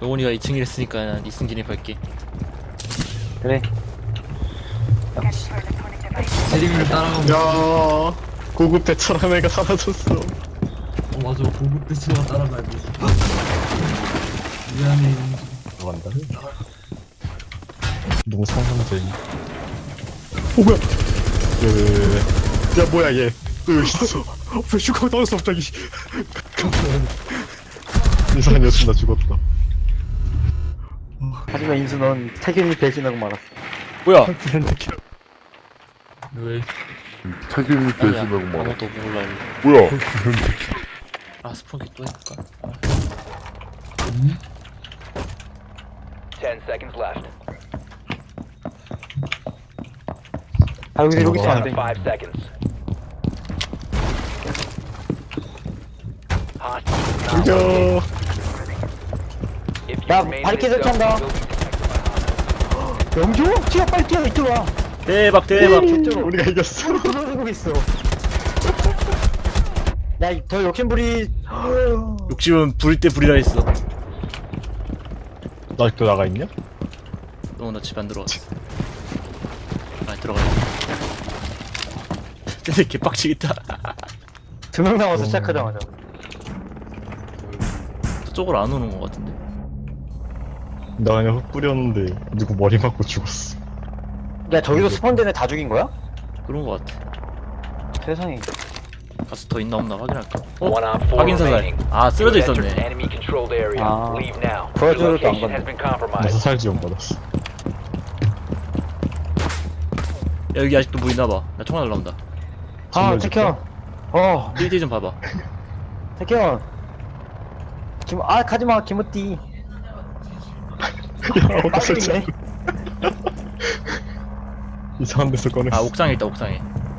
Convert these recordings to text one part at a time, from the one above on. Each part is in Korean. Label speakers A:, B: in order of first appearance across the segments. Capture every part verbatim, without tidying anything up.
A: 영훈이가 이 층 이랬으니까 난 이 층 진입할게.
B: 그래.
C: 제리미를 따라가면
D: 야 고급 대처럼 애가 사라졌어.
C: 어 맞아 고급 대처가 따라가야 돼. 미안해.
D: 들어간다. 너무 상상적인. 오 뭐야? 그... 야 뭐야 얘? 또 여기 있어. 왜 슈가가 떨어졌어 갑자기? 이상한 여친 나 죽었다.
B: 하지만 인수 넌 태균이 배신하고 말았어.
A: 뭐야?
C: 왜?
E: 책임이
A: 아니야,
E: 되시라고 말아.
A: 아무것도 몰라.
E: 뭐야?
A: 아 스폰기 또 해볼까?
F: Ten seconds left.
B: 아 여기서 여기 있으면 안 돼.
F: Five seconds. Hostile.
D: 죽여.
F: If you
B: 야,
F: remain in
B: 바리케이드
F: this zone,
B: 설치한다.
F: you will be detected by
B: 영주? 뛰어 빨리 뛰어 이쪽으로 와.
A: 대박 대박.
B: 개쩔어.
D: 우리가 이겼어.
B: 들어가고 있어. 야더 욕심부리.
A: 욕심은 부릴 때 부리라 했어.
D: 나 아직도 나가 있냐?
A: 너 나 집 안 들어왔어. 아 들어가야 돼. 근데 개빡치겠다.
B: 두 명 남아서 시작하자마자.
A: 저쪽으로 안 오는 것 같은데.
D: 나 그냥 흙 뿌렸는데 누구 머리 맞고 죽었어.
B: 야 저기도 스폰된 애 다 죽인 거야?
A: 그런 것 같아.
B: 세상에.
A: 가서 더 있나 없나 확인할까? 어?
F: one on four
A: 확인 사살.
F: remaining.
A: 아 쓰러져
F: You have entered
A: 있었네.
F: enemy controlled area.
B: 아.
F: Leave now. Your
B: 도와줘도 안
F: location
B: 건네.
F: has been
D: 나
F: compromised.
D: 사살 지원 받았어.
A: 야 여기 아직도 뭐 있나봐. 나 총알 날라온다.
B: 아
D: 정말
B: 태현. 어
A: 일 디 좀 봐봐.
B: 태현. 김, 아 가지마 김우띠.
D: 야 어디서
B: 빨리네.
D: 이상한 데서 꺼냈어.
A: 아 옥상에 있다 옥상에.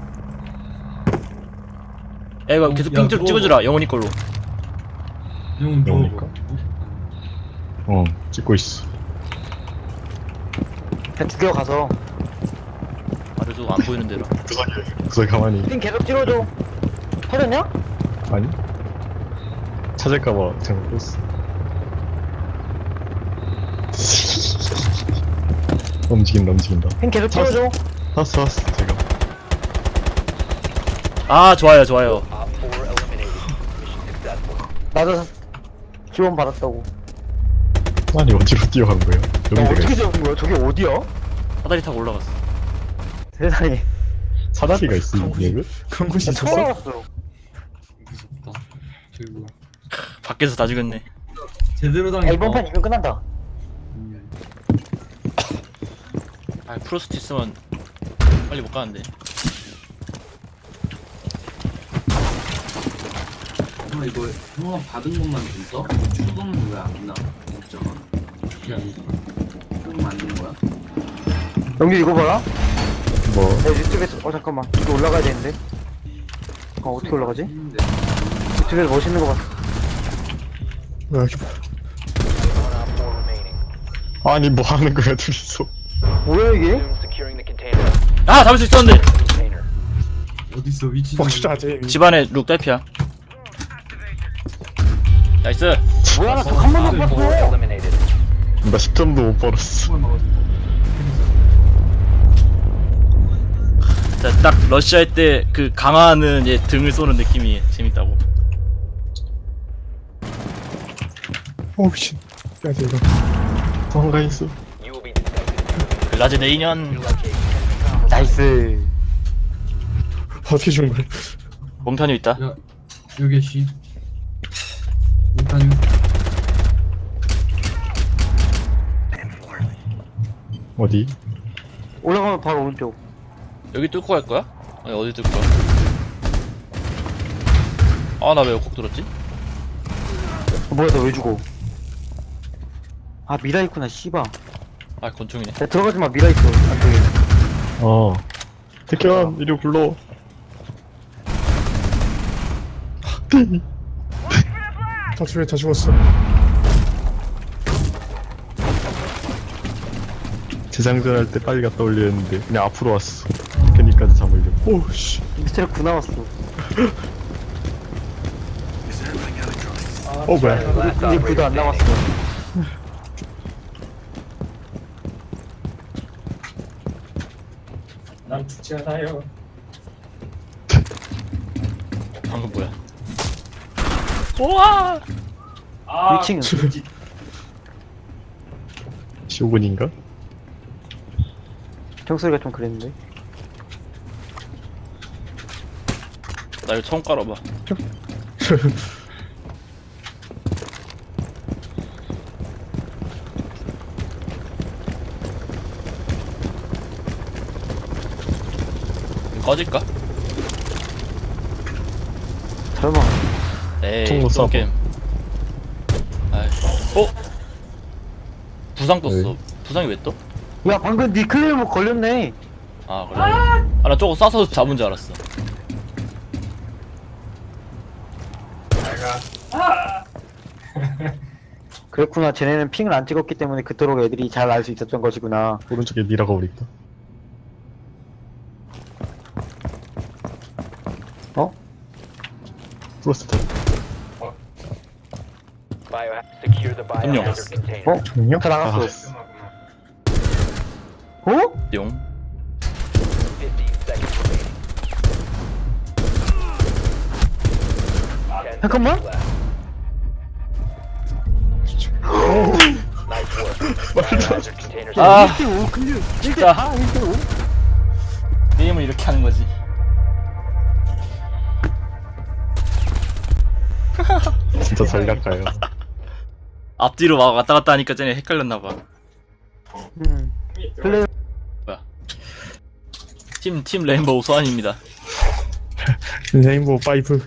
A: 야 이거 계속
C: 야,
A: 핑 좀
C: 그거-
A: 찍어주라 영원이 걸로.
C: 형
D: 영우니까?
C: 뭐
D: 어 찍고 있어.
B: 그냥 죽여 가서.
A: 아래도 안 보이는 대로.
D: 구석에 구석에 가만히.
B: 핑 계속 찍어줘. 터졌냐?
D: 아니? 찾을까봐 잘못 뺐어. 움직인다 움직인다.
B: 핑 계속 찍어줘.
D: 왔어 왔어 제가.
A: 아 좋아요 좋아요.
F: Op four eliminated. Mission successful.
B: 나도 지원 받았다고.
D: 아니 어디로 뛰어간 거야?
B: 야,
D: 여기 내가
B: 어떻게
D: 있어.
B: 잡은 거야? 저게 어디야?
A: 사다리 타고 올라갔어.
B: 세상에.
D: 사다리가 있어 이 맵에?
C: 그런 곳이
B: 나 처음
C: 있었어?
B: 알았어.
C: 무섭다. 저기 뭐야?
A: 밖에서 다 죽였네.
C: 제대로
B: 야,
C: 당했다.
B: 이번 판 이면 끝난다.
C: 음.
A: 아 프로스트 있으면 빨리 못 가는데.
C: 형 이거 형아 받은 것만 좀 써? 출금은 왜안 나? 진짜가. 그게 아니라 형 만든 거야?
B: 영규 이거 봐라.
D: 뭐
B: 내 유튜브에서 어 잠깐만 이거 올라가야 되는데. 어 어떻게 올라가지?
C: 했는데.
B: 유튜브에서 멋있는 거 봤어.
D: 여기
F: One on four remaining.
D: 아니 뭐 하는 거야 둘이서.
B: 뭐야 이게?
F: Soon securing the container.
A: 아 잡을 수 있었는데.
F: Container.
C: 어딨어 위치 좀
D: 벅슈자제.
A: 집안에 룩 딸피야. 나이스.
B: 뭐야 나 한 번도 못
F: Op four
B: 봤어.
F: eliminated.
D: 나 십 점도 못 벌었어.
C: 한번 먹었어.
A: 자, 딱 러쉬 할 때 그 강화하는 얘 등을 쏘는 느낌이 재밌다고.
D: 오 미친. 야 이거. 도망가 있어.
F: You will be detected.
A: 글라즈 내 인연.
B: 나이스.
D: 어떻게 죽은 거야?
A: 몽타뉴 있다.
C: 야 여기 씨. 일단
D: 어디?
B: 올라가면 바로 오른쪽.
A: 여기 뚫고 갈 거야? 아니 어디 뚫을 거야? 아 나 왜 꼭 들었지?
B: 어, 뭐야 너 왜 죽어? 아 미라 있구나 씨바.
A: 아 권총이네.
B: 야 들어가지 마 미라 있어 안쪽에.
D: 어. 태현 이리 불러.
G: 다 죽여 다 죽었어.
D: 재장전 할 때 빨리 갔다 올려 했는데 그냥 앞으로 왔어. 테크니까지 잡으려고.
G: 오씨.
B: 미스테리 구 나왔어.
D: 어 뭐야?
F: Last
B: 이제 구도 안
F: operator
B: 남았어.
F: standing.
G: 난 죽지 않아요.
A: 방금 뭐야? 우와!
G: 아,
B: 일 층은
D: 쇼군인가?
B: 총소리가 좀 그랬는데.
A: 나 이거 처음 깔아봐. 꺼질까?
B: 설마.
A: 에이,
D: 총으로
A: 또
D: 쏴봐.
A: 게임. 아이, 어? 부상 떴어.
D: 왜?
A: 부상이 왜 떠?
B: 야 방금 니 클레이모 걸렸네.
A: 아 그래. 아 나 저거 쏴서 잡은 줄 알았어.
B: 그렇구나. 쟤네는 핑을 안 찍었기 때문에 그토록 애들이 잘 알 수 있었던 것이구나.
D: 오른쪽에 미라가 우리 있다.
B: 어?
D: 프로스트.
F: Bio secure the
A: 점령.
F: biohazard container.
B: 어?
G: 정령?
B: 다 나갔어. 어?
A: 용.
F: fifteen seconds remaining. ten
B: 잠깐만.
F: seconds left. Nice work. Biohazard container
A: 아.
B: 일 대 오 클리어. 일 대
A: 진짜.
B: 사, 일 대 오.
A: 게임을 이렇게 하는 거지.
D: 진짜 전략가요.
A: 앞뒤로 막 왔다 갔다 하니까 쟤네 헷갈렸나 봐.
B: 음. 클레이
A: 팀, 팀 레인보우 소환입니다.
G: 레인보우 파이브.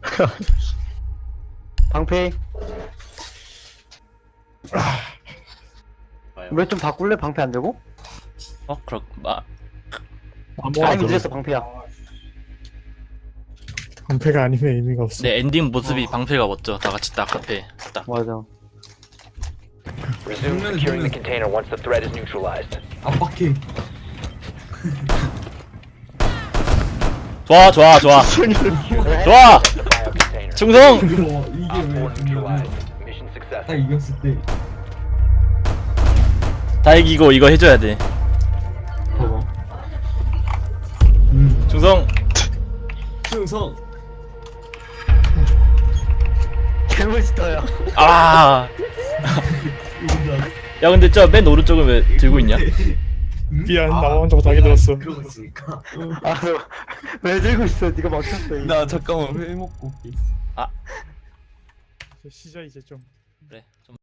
B: 방패. 왜 좀 바꿀래? 방패 안 되고?
A: 어, 그렇, 마,
B: 아니 늦었어 방패야.
G: 방패가 아니면 의미가 없어.
A: 내 엔딩 모습이 방패가 멋져. 다 같이 딱 앞에 딱.
B: 맞아.
F: Resume securing the container once the threat is neutralized.
C: 압박해.
A: 좋아, 좋아, 좋아. 좋아!
F: The bio container.
A: 충성!
C: 이거 이게
F: Op four
C: 왜 중요해?
F: neutralized. Mission
C: 딱
F: successful.
C: 이겼을 때
A: 다 이기고 이거 해줘야 돼.
C: 봐봐. 음.
A: 충성!
C: 충성.
B: 개멋있다야.
A: 아! 야, 근데 저 맨 오른쪽은 왜 들고 있냐?
G: 미안, 나 혼자 못하게 들었어.
C: 그러고 있으니까.
B: 아왜 들고 있어? 네가 막혔어. 이거.
C: 나 잠깐만 회 먹고 올게.
G: 시작 이제 좀.
A: 그래, 좀